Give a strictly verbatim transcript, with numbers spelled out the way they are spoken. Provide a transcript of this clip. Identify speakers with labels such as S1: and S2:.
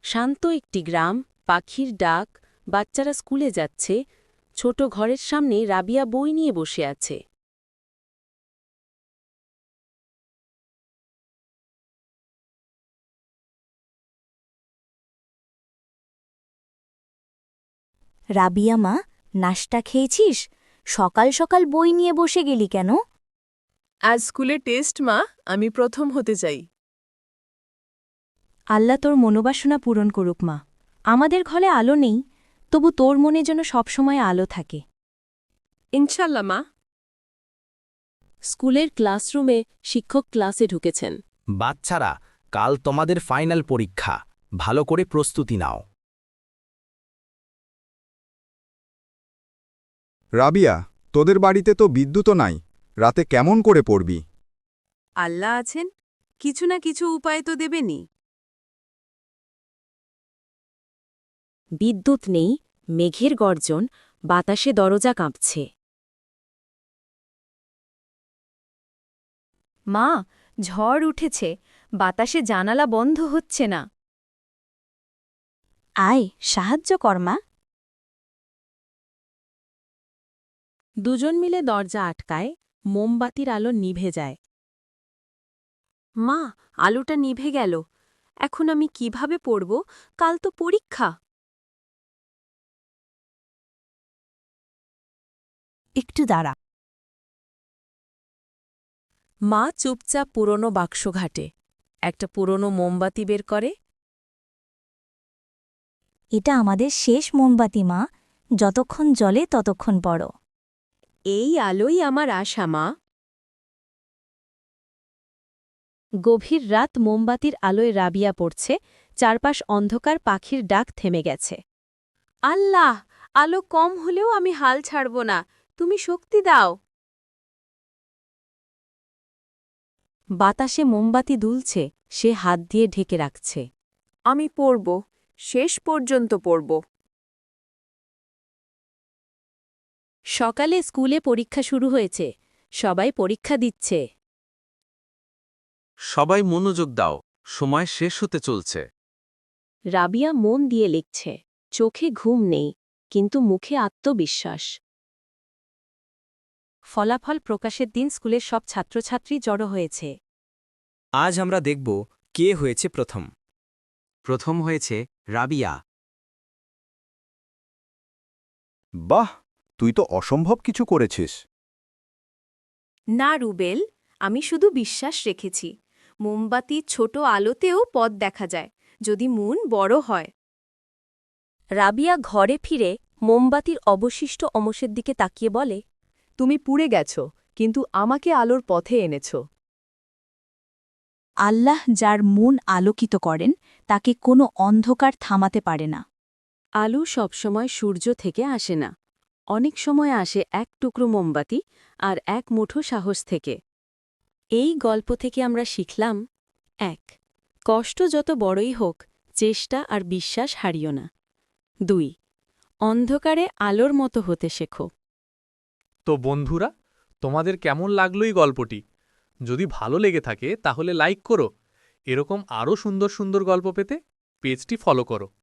S1: শান্ত একটি গ্রাম, পাখির ডাক, বাচ্চারা স্কুলে যাচ্ছে, ছোট ঘরের সামনে রাবিয়া বই নিয়ে বসে আছে।
S2: রাবিয়া মা, নাশতা খেয়েছিস? সকাল সকাল বই নিয়ে বসে গেলি কেন?
S3: আজ স্কুলে টেস্ট মা, আমি প্রথম হতে চাই।
S2: আল্লাহ তোর মনোবাসনা পূরণ করুক মা। আমাদের ঘরে আলো নেই, তবু তোর মনে যেন সবসময় আলো থাকে।
S3: ইনশাল্লাহ মা।
S1: স্কুলের ক্লাসরুমে শিক্ষক ক্লাসে ঢুকেছেন।
S4: বাচ্চারা, কাল তোমাদের ফাইনাল পরীক্ষা, ভালো করে প্রস্তুতি নাও।
S5: রাবিয়া, তোদের বাড়িতে তো বিদ্যুৎও নাই, রাতে কেমন করে পড়বি?
S3: আল্লাহ আছেন, কিছু না কিছু উপায় তো দেবেনি।
S1: বিদ্যুৎ নেই, মেঘের গর্জন, বাতাসে দরজা কাঁপছে।
S2: মা, ঝড় উঠেছে, বাতাসে জানালা বন্ধ হচ্ছে না। আয়, সাহায্য কর মা।
S1: দুজন মিলে দরজা আটকায়, মোমবাতির আলো নিভে যায়।
S3: মা, আলোটা নিভে গেল, এখন আমি কিভাবে পড়ব? কাল তো পরীক্ষা।
S2: একটু দাঁড়া।
S1: মা চুপচাপ পুরনো বাক্স ঘাটে, একটা পুরনো মোমবাতি বের করে।
S2: এটা আমাদের শেষ মোমবাতি মা, যতক্ষণ জ্বলে ততক্ষণ পড়ো।
S3: এই আলোই আমার আশা মা।
S1: গভীর রাত, মোমবাতির আলোয় রাবিয়া পড়ছে, চারপাশ অন্ধকার, পাখির ডাক থেমে গেছে।
S3: আল্লাহ, আলো কম হলেও আমি হাল ছাড়ব না, তুমি শক্তি দাও।
S1: বাতাসে মোমবাতি দুলছে, সে হাত দিয়ে ঢেকে রাখছে।
S3: আমি পড়ব, শেষ পর্যন্ত পড়ব।
S1: সকালে স্কুলে পরীক্ষা শুরু হয়েছে, সবাই পরীক্ষা দিচ্ছে।
S6: সবাই মনোযোগ দাও, সময় শেষ হতে চলছে।
S1: রাবিয়া মন দিয়ে লিখছে, চোখে ঘুম নেই, কিন্তু মুখে আত্মবিশ্বাস। ফলাফল প্রকাশের দিন স্কুলের সব ছাত্রছাত্রী জড়ো হয়েছে।
S4: আজ আমরা দেখব কে হয়েছে প্রথম। প্রথম হয়েছে রাবিয়া।
S5: বাহ, তুই তো অসম্ভব কিছু করেছিস।
S3: না রুবেল, আমি শুধু বিশ্বাস রেখেছি। মোমবাতি ছোট আলোতেও পথ দেখা যায়, যদি মন বড় হয়।
S1: রাবিয়া ঘরে ফিরে মোমবাতির অবশিষ্ট অংশের দিকে তাকিয়ে বলে,
S3: তুমি পুড়ে গেছ, কিন্তু আমাকে আলোর পথে এনেছ।
S2: আল্লাহ যার মন আলোকিত করেন, তাকে কোনো অন্ধকার থামাতে পারে না।
S1: আলো সবসময় সূর্য থেকে আসে না, অনেক সময় আসে এক টুকরো মোমবাতি আর এক মুঠো সাহস থেকে। এই গল্প থেকে আমরা শিখলাম, এক, কষ্ট যত বড়ই হোক, চেষ্টা আর বিশ্বাস হারিও না। দুই, অন্ধকারে আলোর মতো হতে শেখো।
S7: তো বন্ধুরা, তোমাদের কেমন লাগলো এই গল্পটি? যদি ভালো লেগে থাকে তাহলে লাইক করো। এরকম আরও সুন্দর সুন্দর গল্প পেতে পেজটি ফলো করো।